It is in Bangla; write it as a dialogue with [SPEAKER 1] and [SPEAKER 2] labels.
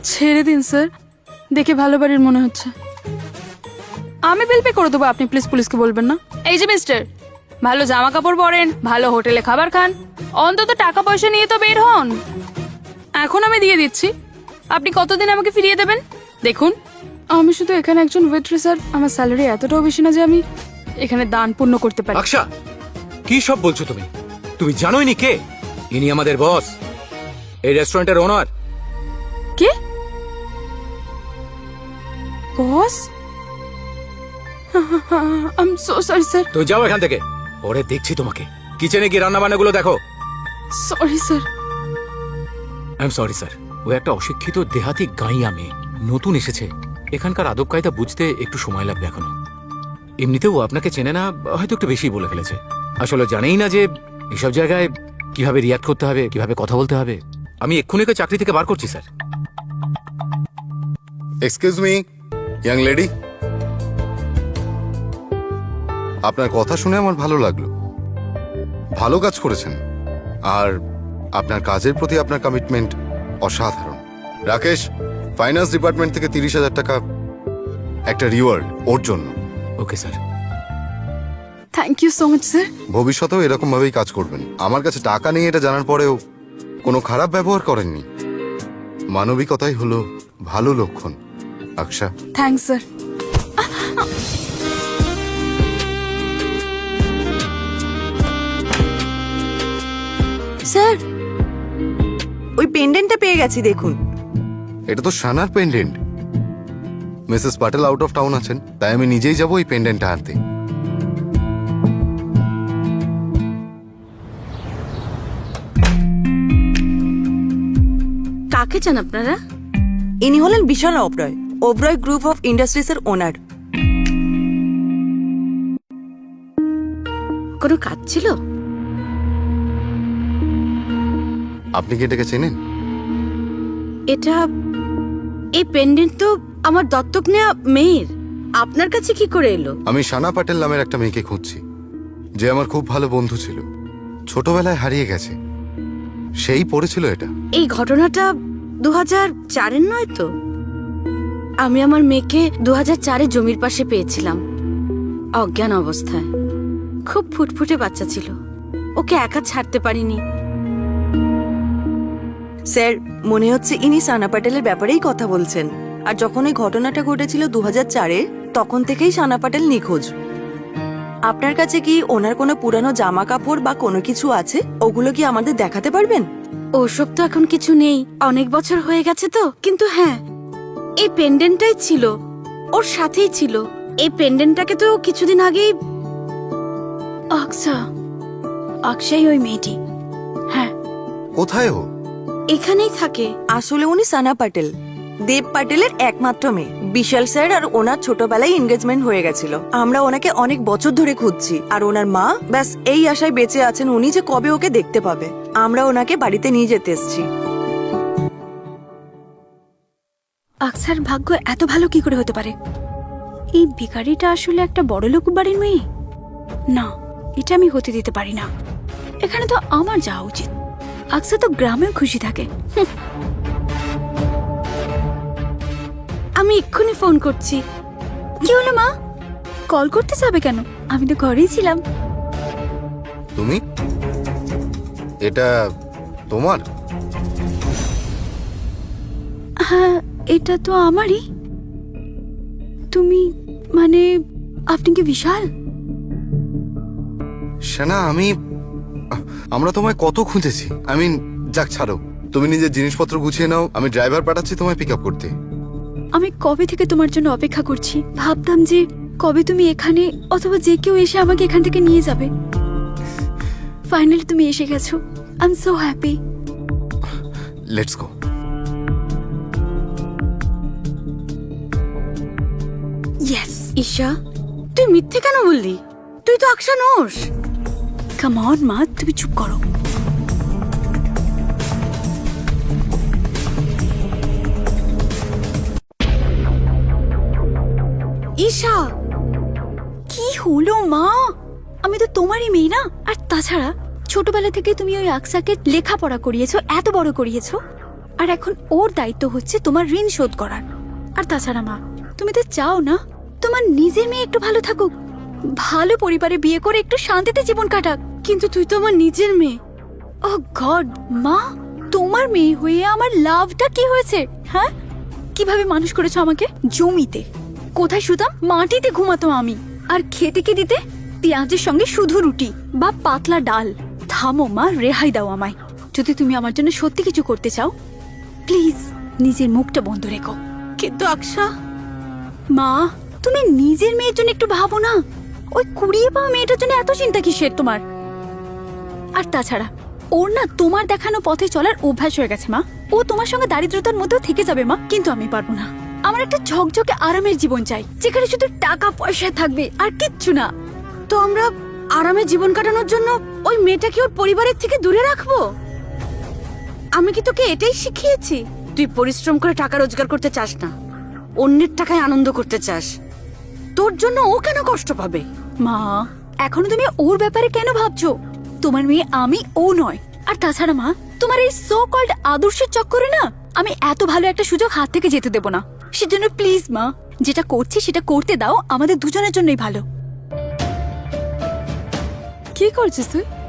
[SPEAKER 1] ছেড়ে দিন স্যার, দেখে ভালো বাড়ির মনে হচ্ছে। আমি বিল পে করে দেবো, আপনি প্লিজ পুলিশকে বলবেন না। এই যে মিস্টার, ভালো জামা কাপড় পরেন, ভালো হোটেলে খাবার খান, অন্তত টাকা পয়সা নিয়ে তো বের হন। এখন আমি দিয়ে দিচ্ছি, আপনি কতদিন আমাকে ফিরিয়ে দেবেন? দেখুন, আমি শুধু এখানে একজন ওয়েট্রেস, আর আমার স্যালারি এতটাও বেশি না যে আমি এখানে দান পুণ্য করতে পারি।
[SPEAKER 2] আকশা, কি সব বলছো তুমি? তুমি জানোই নি কে ইনি? আমাদের বস, এই রেস্টুরেন্টের ওনার।
[SPEAKER 1] কে? Boss? I am so sorry sir.
[SPEAKER 2] তুই যাও এখান থেকে, পরে দেখছি তোমাকে। কিচেনে কি রান্না বান্নাগুলো দেখো।
[SPEAKER 1] Sorry sir.
[SPEAKER 2] I am sorry sir. ও একটা অশিক্ষিত দেহাতি গাঁইয়া মেয়ে, নতুন এসেছে, এখানকার আদব কায়দা বুঝতে একটু সময় লাগবে এখনো। এমনিতেও ও আপনাকে চেনে না, হয়তো একটু বেশি বলে ফেলেছে। আসলে জানেই না যে এসব জায়গায় কিভাবে রিয়াক্ট করতে হবে, কিভাবে কথা বলতে হবে। আমি এক্ষুনি ওকে চাকরি থেকে বার করছি sir.
[SPEAKER 3] Excuse me, young lady. আপনার কথা শুনে আমার ভালো লাগলো, ভালো কাজ করেছেন, আর আপনার কাজের প্রতি আপনার কমিটমেন্ট অসাধারণ। রাকেশ, ফাইন্যান্স ডিপার্টমেন্ট থেকে 30,000 টাকা একটা রিওয়ার্ড ওর জন্য।
[SPEAKER 2] Okay sir.
[SPEAKER 1] Thank you so much sir.
[SPEAKER 3] ভবিষ্যতেও এরকম ভাবেই কাজ করবেন। আমার কাছে টাকা নেই এটা জানার পরেও কোনো খারাপ ব্যবহার করেননি। মানবিকতাই হলো ভালো লক্ষণ। Aksa,
[SPEAKER 1] thanks sir.
[SPEAKER 4] স্যার, ওই পেন্ডেন্টটা পেয়ে গেছি, দেখুন।
[SPEAKER 3] এটা তো সানার pendant. Mrs Patel out of town আছেন, তাই আমি নিজেই যাবো এই পেন্ডেন্টটা আনতে।
[SPEAKER 5] কাকে চান আপনারা?
[SPEAKER 4] ইনি হলেন বিশাল ওবরয়, ওবরয় গ্রুপ অফ ইন্ডাস্ট্রিজের ওনার।
[SPEAKER 5] কোনো কাজ ছিল?
[SPEAKER 3] আপনি কি এটাকে চেনেন?
[SPEAKER 5] এটা, এই পেন্ডেন্ট তো আমার দত্তক নেওয়া মেয়ের। আপনার কাছে কি করে এলো?
[SPEAKER 3] আমি সানা পাটেল নামের একটা মেয়েকে খুঁজছি, যে আমার খুব ভালো বন্ধু ছিল, ছোটবেলায় হারিয়ে গেছে। সেই পড়েছিল এটা।
[SPEAKER 5] এই ঘটনাটা 2004-এর নয় তো? আমি আমার মেয়েকে 2004-এ জমির পাশে পেয়েছিলাম, অজ্ঞান অবস্থায়। খুব ফুটফুটে বাচ্চা ছিল, ওকে একা ছাড়তে পারিনি।
[SPEAKER 4] স্যার, মনে হচ্ছে ইনি সানা প্যাটেলের ব্যাপারেই কথা বলছেন। আর যখন এই ঘটনাটা ঘটেছিল 2004-এ, তখন থেকেই সানা প্যাটেল নিখোঁজ। আপনার কাছে কি ওনার কোনো পুরানো জামা কাপড় বা কোনো কিছু আছে? ওগুলো কি আমাদের দেখাতে পারবেন?
[SPEAKER 5] ওসব তো এখন কিছু নেই, অনেক বছর হয়ে গেছে তো। কিন্তু হ্যাঁ, এই পেন্ডেন্টটাই ছিল, ওর সাথেই ছিল। এই পেন্ডেন্টটাকে তো কিছুদিন আগেই।
[SPEAKER 1] আকশা, আকশাই ওই মেয়েটি। হ্যাঁ।
[SPEAKER 3] কোথায় ও?
[SPEAKER 5] এখানেই থাকে।
[SPEAKER 4] আসলে উনি সানা প্যাটেল, দেব প্যাটেলের একমাত্র মেয়ে। বিশাল স্যার আর ওনার ছোটবেলায় এনগেজমেন্ট হয়ে গেছিল। আমরা ওনাকে অনেক বছর ধরে খুঁজছি, আর ওনার মা ব্যাস এই আশায় বেঁচে আছেন উনি যে কবে ওকে দেখতে পাবে। আমরা ওনাকে বাড়িতে নিয়ে যেতে এসেছি।
[SPEAKER 1] আকসার ভাগ্য এত ভালো কি করে হতে পারে? এই ভিখারিটা আসলে একটা বড়লোক বাড়ির মেয়ে? না, এটা আমি হতে দিতে পারি না। এখানে তো আমার যাওয়া উচিত। আকসা তো গ্রামেও খুশি থাকে।
[SPEAKER 5] আমি এক্ষুনি ফোন করছি।
[SPEAKER 1] কি হলো মা? কল করতে যাবে কেন? আমি তো ঘরেই ছিলাম।
[SPEAKER 3] তুমি? এটা তোমার?
[SPEAKER 1] হ্যাঁ, এটা তো আমারই। তুমি মানে, আপনি কি বিশাল?
[SPEAKER 3] সেনা, আমরা তোমায় কত খুঁজেছি। যাক ছাড়ো, তুমি নিজের জিনিসপত্র গুছিয়ে নাও, আমি ড্রাইভার পাঠাচ্ছি তোমায় পিক আপ করতে।
[SPEAKER 1] আমি কবে থেকে তোমার জন্য অপেক্ষা করছি। ভাবতাম যে কবে তুমি এখানে, অথবা যে কেউ এসে আমাকে এখান থেকে নিয়ে যাবে। ফাইনালি তুমি এসে গেছো। I am so happy.
[SPEAKER 3] Let's go.
[SPEAKER 1] Yes.
[SPEAKER 5] Isha, তুই মিথ্যে কেন বললি? তুই তো আকশা নোস।
[SPEAKER 1] কাম অন মা, তুমি চুপ করো।
[SPEAKER 5] ঈশা,
[SPEAKER 1] কি হলো মা? আমি তো তোমারই মেয়ে না? আর তাছাড়া ছোটবেলা থেকে তুমি ওই আকসাকে লেখাপড়া করিয়েছো, এত বড় করিয়েছো।
[SPEAKER 6] আর এখন ওর দায়িত্ব হচ্ছে তোমার ঋণ শোধ করার। আর তাছাড়া মা, তুমি তো চাও না তোমার নিজের মেয়ে একটু ভালো থাকুক, ভালো পরিবারে বিয়ে করে একটু শান্তিতে জীবন কাটাক।
[SPEAKER 5] কিন্তু তুই তো আমার নিজের মেয়ে।
[SPEAKER 6] ও গড মা, তোমার মেয়ে হয়ে আমার লাভটা কি হয়েছে? হ্যাঁ, কিভাবে মানুষ করেছো আমাকে? জমিতে কোথায় শুতাম? মাটিতে ঘুমাতো আমি। আর খেতে কি দিতে? পেঁয়াজের সঙ্গে শুধু রুটি বা পাতলা ডাল। থামো মা, রেহাই দাও আমায়। যদি তুমি আমার জন্য সত্যি কিছু করতে চাও, প্লিজ নিজের মুখটা বন্ধ রেখো।
[SPEAKER 5] কিন্তু আকশা,
[SPEAKER 6] মা, তুমি নিজের মেয়ের জন্য একটু ভাবো না। ওই কুড়িয়ে পাওয়া মেয়েটার জন্য এত চিন্তা কিসের তোমার? আর তাছাড়া ওর না তোমার দেখানো পথে চলার অভ্যাস হয়ে গেছে মা। ও তোমার সঙ্গে দারিদ্রতার মধ্যেও থেকে যাবে মা, কিন্তু আমি পারবো না। আমার একটা ঝকঝকে আরামের জীবন চাই, যেখানে শুধু টাকা পয়সা থাকবে আর কিচ্ছু না।
[SPEAKER 5] তো আমরা আরামে জীবন কাটানোর জন্য ওই মেয়েটাকে ওর পরিবারের থেকে দূরে রাখবো? আমি কি তোকে এটাই শিখিয়েছি? তুই পরিশ্রম করে টাকা রোজগার করতে চাস না, অন্যের টাকায় আনন্দ করতে চাস। তোর জন্য ও কেন কষ্ট পাবে?
[SPEAKER 6] মা, এখনো তুমি ওর ব্যাপারে কেন ভাবছো? তোমার মেয়ে আমি, ও নয়। আর তাছাড়া মা, তোমার এই সো কল্ড আদর্শের চক্করে না আমি এত ভালো একটা সুযোগ হাত থেকে যেতে দেব না। সেজন্য প্লিজ মা, যেটা করছি সেটা করতে দাও, আমাদের দুজনের জন্যই ভালো।
[SPEAKER 1] কি করছিস তুই?